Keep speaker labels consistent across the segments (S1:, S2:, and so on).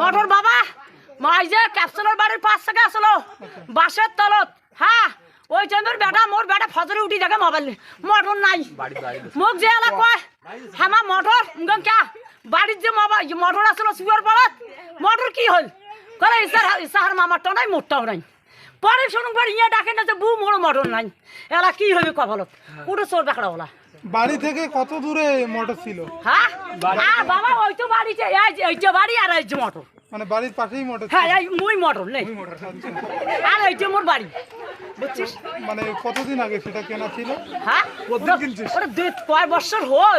S1: Motor বাবা মাই যে ক্যাপসুলের বাড়ির পাশ থেকে আসলো বাসের তলত হ্যাঁ ওই টাইমের বেটা মোর বেটা ফজরে উঠি দেখে মোবাইল মোটর নাই মোক যে এলা কয় হামা মোটর কে বাড়ির যে মোটর আসলো সুয়ার পাড়াত মোটর কি হল করে ইসাহার মামারটা নাই মোটটাও নাই পরে শুনুন পর ইয়ে ডাকে না যে বউ মোড় মোটর নাই এলা কি হবে কপালত পুরো চোর বেকড়া ওলা
S2: বাড়ি থেকে কত দূরে মোটর ছিল?
S1: হ্যাঁ বাবা ওই তো বাড়িতে এই যে বাড়ি আর এই যে মোটর
S2: মানে বাড়ির পাশেই মোটর?
S1: হ্যাঁ এই মুই মোটর নেই আর এই যে মোর বাড়ি বুঝছিস।
S2: মানে কতদিন আগে সেটা কেনা ছিল?
S1: হ্যাঁ ওটা কয় বছর হল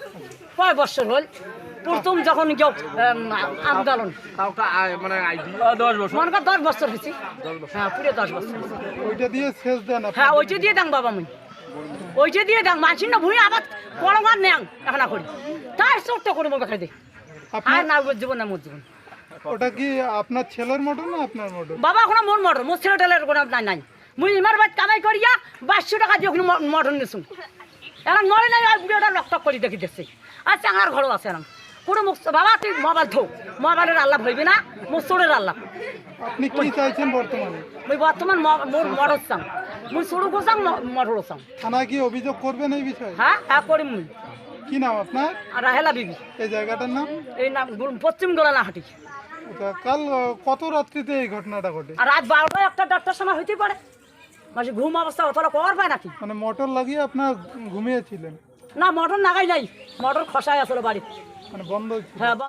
S1: প্রথম যখন কেউ আন্দোলন
S3: মানে 10 বছর
S1: মনে কর 10 বছর হয়েছে হ্যাঁ পুরো 10 বছর
S2: ওইটা দিয়ে শেষ দেন?
S1: হ্যাঁ ওইটা দিয়ে দাম বাবা মুই ওইটা দিয়ে দাম মানছি না ভুঁই আবার পরমার নেন এখন করি তাই ছোট্ট করে মোকে খাই দে আর না জীবন না মোর জীবন।
S2: ওটা কি আপনার ছেলের মোটর না আপনার মোটর?
S1: বাবা এখন মোর মোটর মোর ছেলে টেলের কোনো নাই নাই মুই ইমার বাদ কামাই করিয়া 2200 টাকা দিয়ে ওখানে মোটর নিয়েছুন এখন মরে নাই আর বুড়োটা রক্তক করে দেখি দেখছি আর চাঙার ঘরও আছে এখন পুরো মুখ বাবা তুই মোবাইল থো মোবাইলের আল্লাহ হইবি না মোর চোরের আল্লাহ।
S2: আপনি কি চাইছেন বর্তমানে?
S1: মুই বর্তমান মোর মোটর চাং মুই চোরও চাং মোটরও চাং।
S2: থানায় কি অভিযোগ করবেন এই বিষয়ে?
S1: হ্যাঁ হ্যাঁ করিম মুই।
S2: কি নাম আপনার?
S1: আর রাহেলা বিবি।
S2: এই জায়গাটার নাম?
S1: এই নাম পশ্চিম গোলানা হাটি।
S2: কাল কত রাত্রিতে এই ঘটনাটা ঘটে?
S1: আর রাত 12টায় 1-1:30টার সময় হইতে পারে মানে ঘুম অবস্থা অতটা কর পায় নাকি?
S2: মানে মোটর লাগিয়ে আপনার ঘুমিয়েছিলেন?
S1: না মোটর নাগাই নাই মোটর খসায় আসলে বাড়ি
S2: মানে বন্ধ ছিল?
S1: হ্যাঁ।